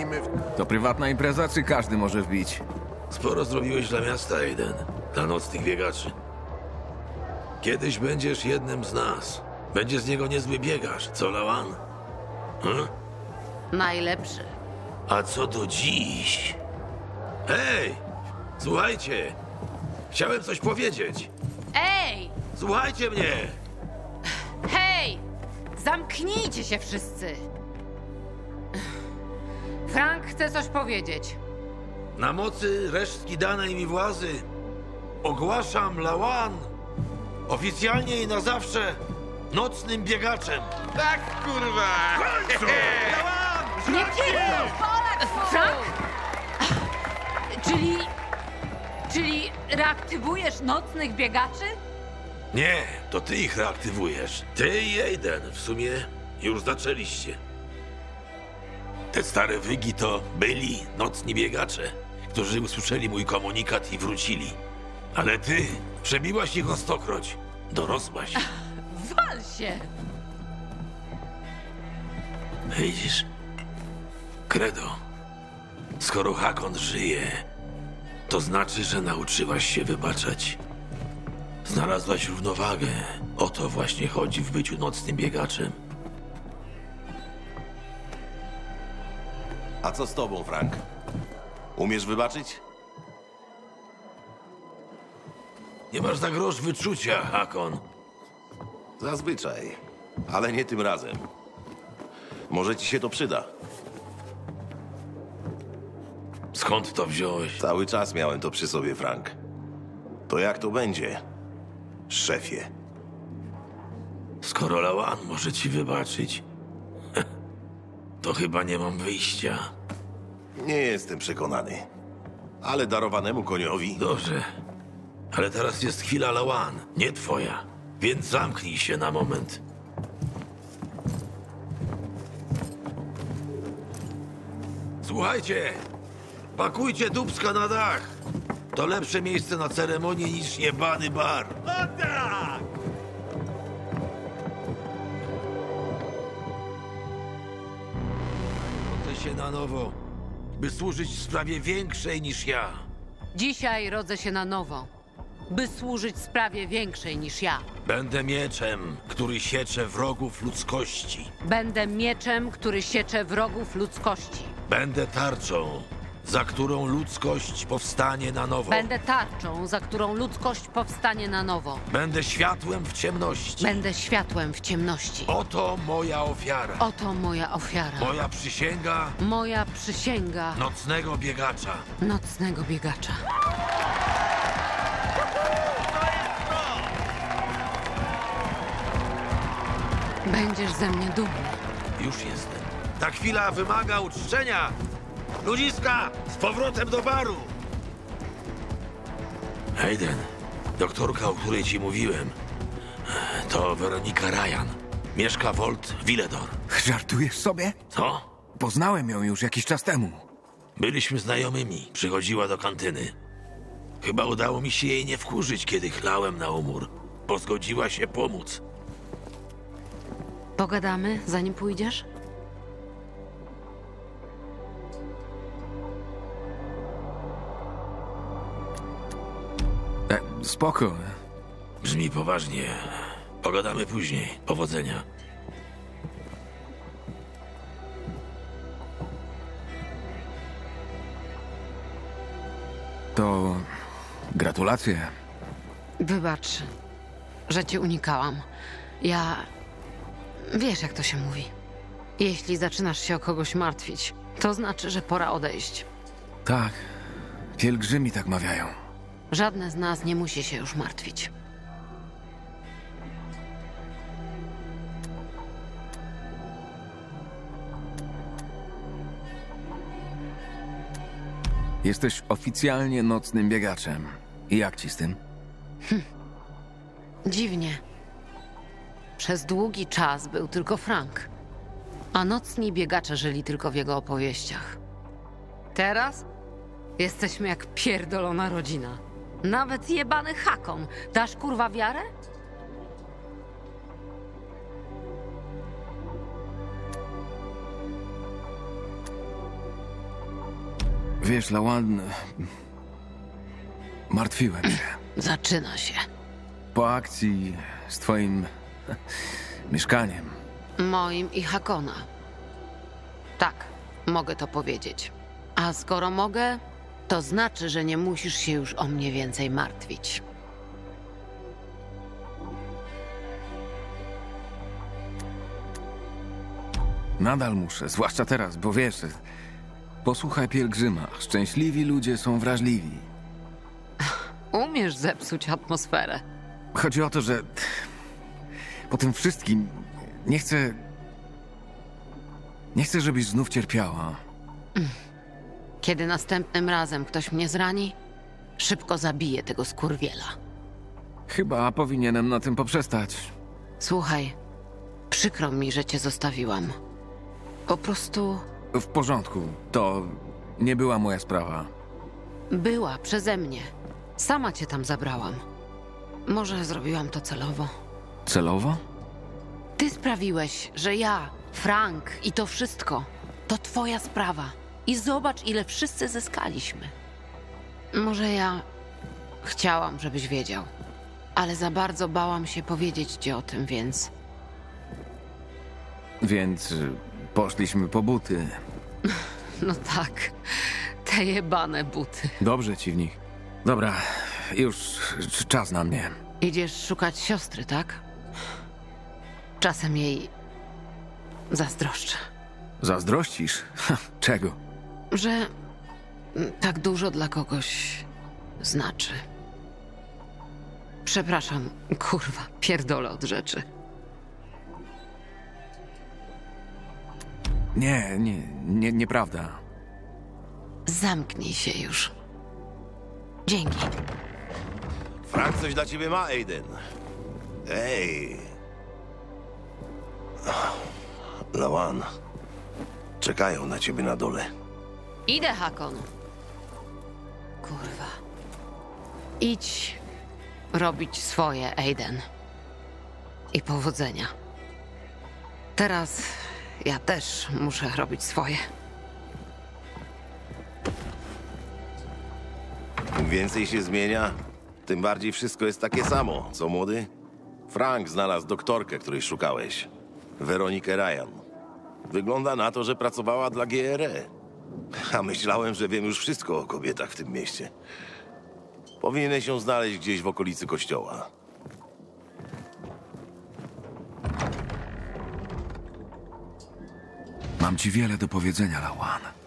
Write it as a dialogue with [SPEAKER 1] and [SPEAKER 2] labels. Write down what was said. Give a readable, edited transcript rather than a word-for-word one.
[SPEAKER 1] walimy w...
[SPEAKER 2] To prywatna impreza, czy każdy może wbić?
[SPEAKER 3] Sporo zrobiłeś dla miasta, Aiden. Dla nocnych biegaczy. Kiedyś będziesz jednym z nas. Będzie z niego niezły biegacz, co, Lawan?
[SPEAKER 4] Najlepszy.
[SPEAKER 3] A co do dziś? Hej! Słuchajcie! Chciałem coś powiedzieć.
[SPEAKER 4] Ej!
[SPEAKER 3] Słuchajcie mnie!
[SPEAKER 4] Hej! Zamknijcie się wszyscy! Frank chce coś powiedzieć.
[SPEAKER 3] Na mocy resztki danej mi władzy ogłaszam Lawan oficjalnie i na zawsze nocnym biegaczem.
[SPEAKER 1] Tak, kurwa!
[SPEAKER 4] Nie pierdol! Frank? Czyli reaktywujesz nocnych biegaczy?
[SPEAKER 3] Nie, to ty ich reaktywujesz. Ty i Aiden w sumie już zaczęliście. Te stare wygi to byli nocni biegacze, którzy usłyszeli mój komunikat i wrócili. Ale ty przebiłaś ich o stokroć. Dorosłaś.
[SPEAKER 4] Wal się!
[SPEAKER 3] Widzisz? Credo. Skoro Hakon żyje, to znaczy, że nauczyłaś się wybaczać. Znalazłaś równowagę. O to właśnie chodzi w byciu nocnym biegaczem.
[SPEAKER 5] A co z tobą, Frank? Umiesz wybaczyć?
[SPEAKER 3] Nie masz na grosz wyczucia, Hakon.
[SPEAKER 5] Zazwyczaj, ale nie tym razem. Może ci się to przyda.
[SPEAKER 3] Skąd to wziąłeś?
[SPEAKER 5] Cały czas miałem to przy sobie, Frank. To jak to będzie, szefie?
[SPEAKER 3] Skoro Lawan może ci wybaczyć, to chyba nie mam wyjścia.
[SPEAKER 5] Nie jestem przekonany. Ale darowanemu koniowi...
[SPEAKER 3] Dobrze, ale teraz jest chwila Lawan, nie twoja. Więc zamknij się na moment. Słuchajcie, pakujcie dubska na dach. To lepsze miejsce na ceremonię niż jebany bar. Rodzę się na nowo, by służyć sprawie większej niż ja.
[SPEAKER 4] Dzisiaj rodzę się na nowo, by służyć sprawie większej niż ja.
[SPEAKER 3] Będę mieczem, który siecze wrogów ludzkości.
[SPEAKER 4] Będę mieczem, który siecze wrogów ludzkości.
[SPEAKER 3] Będę tarczą, za którą ludzkość powstanie na nowo.
[SPEAKER 4] Będę tarczą, za którą ludzkość powstanie na nowo.
[SPEAKER 3] Będę światłem w ciemności.
[SPEAKER 4] Będę światłem w ciemności.
[SPEAKER 3] Oto moja ofiara.
[SPEAKER 4] Oto moja ofiara.
[SPEAKER 3] Moja przysięga
[SPEAKER 4] Moja przysięga
[SPEAKER 3] nocnego biegacza.
[SPEAKER 4] nocnego biegacza. Będziesz ze mnie dumny.
[SPEAKER 3] Już jestem. Ta chwila wymaga uczczenia. Ludziska, z powrotem do baru. Hayden, doktorka, o której ci mówiłem, to Weronika Ryan. Mieszka Volt Villedor.
[SPEAKER 2] Żartujesz sobie?
[SPEAKER 3] Co?
[SPEAKER 2] Poznałem ją już jakiś czas temu.
[SPEAKER 3] Byliśmy znajomymi. Przychodziła do kantyny. Chyba udało mi się jej nie wkurzyć, kiedy chlałem na umór. Bo zgodziła się pomóc.
[SPEAKER 4] Pogadamy, zanim pójdziesz?
[SPEAKER 2] Spoko.
[SPEAKER 3] Brzmi poważnie. Pogadamy później. Powodzenia.
[SPEAKER 2] To... gratulacje.
[SPEAKER 4] Wybacz, że cię unikałam. Ja... Wiesz, jak to się mówi. Jeśli zaczynasz się o kogoś martwić, to znaczy, że pora odejść.
[SPEAKER 2] Tak. Pielgrzymi tak mawiają.
[SPEAKER 4] Żadne z nas nie musi się już martwić.
[SPEAKER 2] Jesteś oficjalnie nocnym biegaczem. I jak ci z tym?
[SPEAKER 4] Dziwnie. Przez długi czas był tylko Frank, a nocni biegacze żyli tylko w jego opowieściach. Teraz jesteśmy jak pierdolona rodzina. Nawet jebany Hakon. Dasz kurwa wiarę?
[SPEAKER 2] Wiesz, Lawan, martwiłem się.
[SPEAKER 4] Zaczyna się.
[SPEAKER 2] Po akcji z twoim mieszkaniem.
[SPEAKER 4] Moim i Hakona. Tak, mogę to powiedzieć. A skoro mogę, to znaczy, że nie musisz się już o mnie więcej martwić.
[SPEAKER 2] Nadal muszę, zwłaszcza teraz, bo wiesz, posłuchaj pielgrzyma. Szczęśliwi ludzie są wrażliwi.
[SPEAKER 4] Umiesz zepsuć atmosferę.
[SPEAKER 2] Chodzi o to, że po tym wszystkim nie chcę... Nie chcę, żebyś znów cierpiała.
[SPEAKER 4] Kiedy następnym razem ktoś mnie zrani, szybko zabiję tego skurwiela.
[SPEAKER 2] Chyba powinienem na tym poprzestać.
[SPEAKER 4] Słuchaj, przykro mi, że cię zostawiłam. Po prostu
[SPEAKER 2] W porządku, to nie była moja sprawa.
[SPEAKER 4] była przeze mnie. Sama cię tam zabrałam. Może zrobiłam to celowo.
[SPEAKER 2] Celowo?
[SPEAKER 4] Ty sprawiłeś, że ja, Frank i to wszystko to twoja sprawa. I zobacz, ile wszyscy zyskaliśmy. Może ja chciałam, żebyś wiedział, ale za bardzo bałam się powiedzieć ci o tym, więc
[SPEAKER 2] Więc poszliśmy po buty.
[SPEAKER 4] no tak, te jebane buty.
[SPEAKER 2] Dobrze ci w nich. Dobra, już czas na mnie.
[SPEAKER 4] Idziesz szukać siostry, tak? Czasem jej zazdroszczę,
[SPEAKER 2] Zazdrościsz? Czego?
[SPEAKER 4] że tak dużo dla kogoś znaczy. Przepraszam, kurwa, pierdolę od rzeczy.
[SPEAKER 2] Nieprawda.
[SPEAKER 4] Zamknij się już. Dzięki.
[SPEAKER 5] Frank coś dla ciebie ma, Aiden. Ej. Lawan. Czekają na ciebie na dole.
[SPEAKER 4] Idę, Hakon. Kurwa. Idź robić swoje, Aiden. I powodzenia. Teraz ja też muszę robić swoje.
[SPEAKER 5] Im więcej się zmienia, tym bardziej wszystko jest takie samo, co młody? Frank znalazł doktorkę, której szukałeś. Weronikę Ryan. Wygląda na to, że pracowała dla GRE. A myślałem, że wiem już wszystko o kobietach w tym mieście. Powinieneś ją znaleźć gdzieś w okolicy kościoła.
[SPEAKER 2] Mam ci wiele do powiedzenia, Lawan.